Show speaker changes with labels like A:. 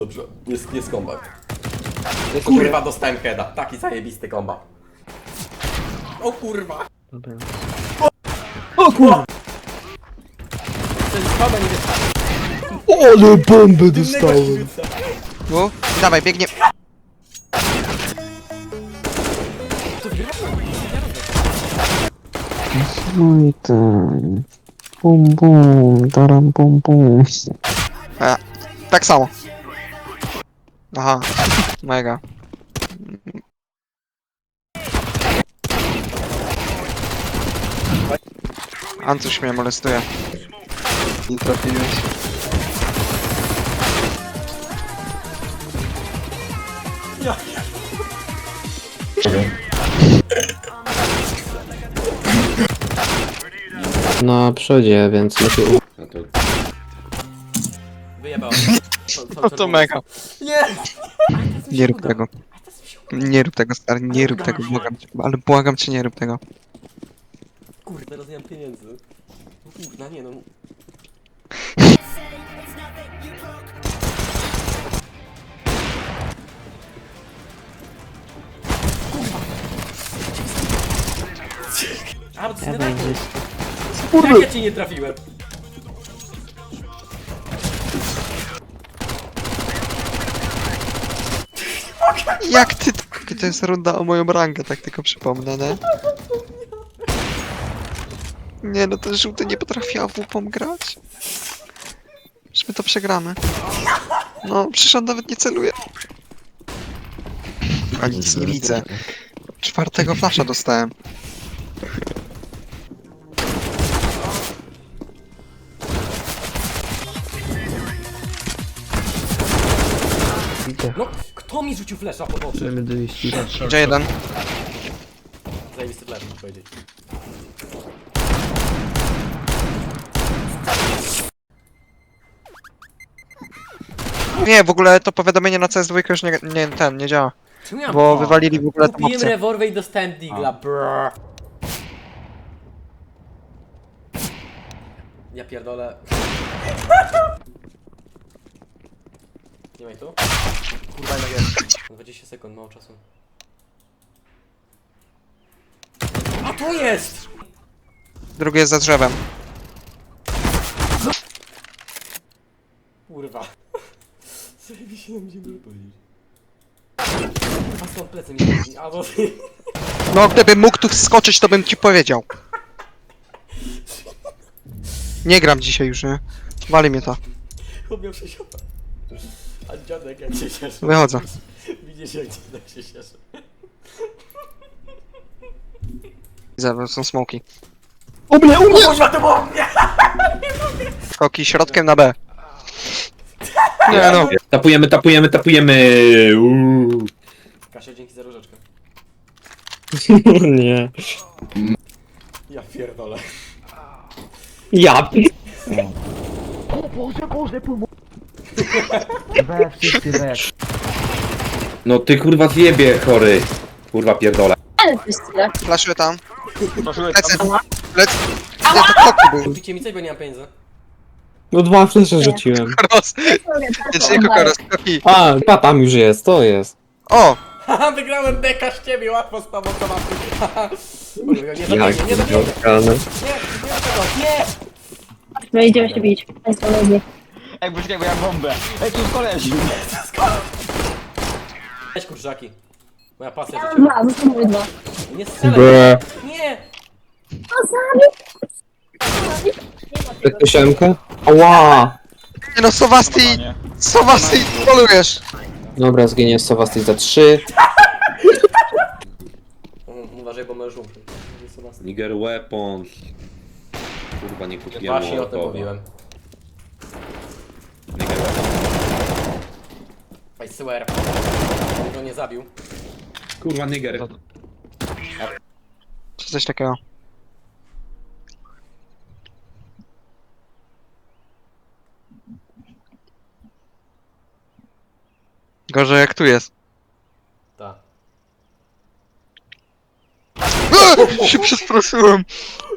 A: Dobrze, jest kombat. Kurwa, dostałem heada. Taki zajebisty kombat. O kurwa!
B: Dobra.
A: O kurwa! Ten spada nie wystarczy.
B: Ale bombę dostałem!
C: Tu? Dawaj, biegnie.
B: No i ten... Bum bum, daram bum bum.
C: Tak samo. Aha, mega. Ancuś mnie molestuje. Nie trafiłeś.
B: Na przodzie, więc lepiej...
A: No to... Wyjebałem.
C: No to mega.
A: Nie!
C: Nie rób tego. Nie rób tego, stary, nie rób tego, błagam cię. Ale błagam cię, nie rób tego.
A: Kurde, teraz nie mam pieniędzy. Kurna, nie no. A, bo to jest nie Jak ja cię nie trafiłem?
C: Jak ty... To jest runda o moją rangę, tak tylko przypomnę, nie? Nie no, ten żółty nie potrafiła WP grać. Że my to przegramy. No, przecież on nawet nie celuje. A nic nie widzę. Czwartego flasha dostałem.
A: No, kto mi rzucił flesza pod oczy?
B: Chcemy dojść.
C: Gdzie jeden?
A: Zajebisty flash, muszę powiedzieć.
C: Nie, w ogóle to powiadomienie na CS2 już nie działa.
A: Czemu ja
C: Bo wywalili w ogóle tą
A: Kupiłem
C: opcję.
A: rewolwer i dostałem digla, brrr. Ja pierdolę. Nie ma ich tu? Kurwa, jednak jest. 20 sekund, mało czasu. A to jest!
C: Drugi jest za drzewem.
A: Kurwa. Zajebiście nam będziemy powiedzieć. A stąd plecy mi chodzi, a bo...
C: No, gdybym mógł tu wskoczyć, to bym ci powiedział. Nie gram dzisiaj już, nie? Wali mnie to.
A: Chłop miał 6 opa. A dziadek jak się cieszy.
C: Wychodzę.
A: Widzisz jak dziadek się cieszy.
C: Widzę, są smoki.
A: U mnie! Kurwa, to było mnie!
C: Skoki środkiem na B. Nie no.
D: Tapujemy. Uuu.
A: Kasia, dzięki za różeczkę.
B: Nie.
A: Ja pierdolę.
B: Ja
D: No ty kurwa zjebie chory. Kurwa pierdolę.
E: Ale to jest tyle.
C: Flaszuję tam. Lecę. Lecę. Nie, to koki był.
A: Kupicie mi coś, bo nie mam pieniędzy.
B: No 2 flesze rzuciłem.
C: Koros. Nie, koros. Koki.
B: A tam już jest, to jest.
C: O!
A: Haha, wygrałem deka z ciebie, łatwo z tobą to mam. Haha. Nie zabijmy,
B: Jak
A: nie zabijmy.
B: widziane.
A: Nie, nie do tego, nie!
E: No idziemy się bić. Państwo lubię.
F: Ej, poczekaj, bo ja mam bombę. Ej, tu jest koleś.
A: Weź kurczaki. Moja pasja życiowa.
E: Dwa, zostały dwa.
A: Nie strzelaj.
B: Bre.
A: Nie!
E: O, zabił!
B: Jak to siemka? Ała!
C: Nie no, Sowasti! Sowasti, polujesz!
B: Dobra, zginie Sowasty za 3.
A: Uważaj, bo możesz umrzeć.
D: Niger Weapons. Kurwa nie kupiłem
A: Właśnie o tym
D: Mołotowa.
A: mówiłem.
D: Niger Weapons.
A: I swear. Go nie zabił.
D: Kurwa Niger.
C: Czy coś takiego? Gorzej jak tu jest.
A: Tak.
C: Się przestraszyłem.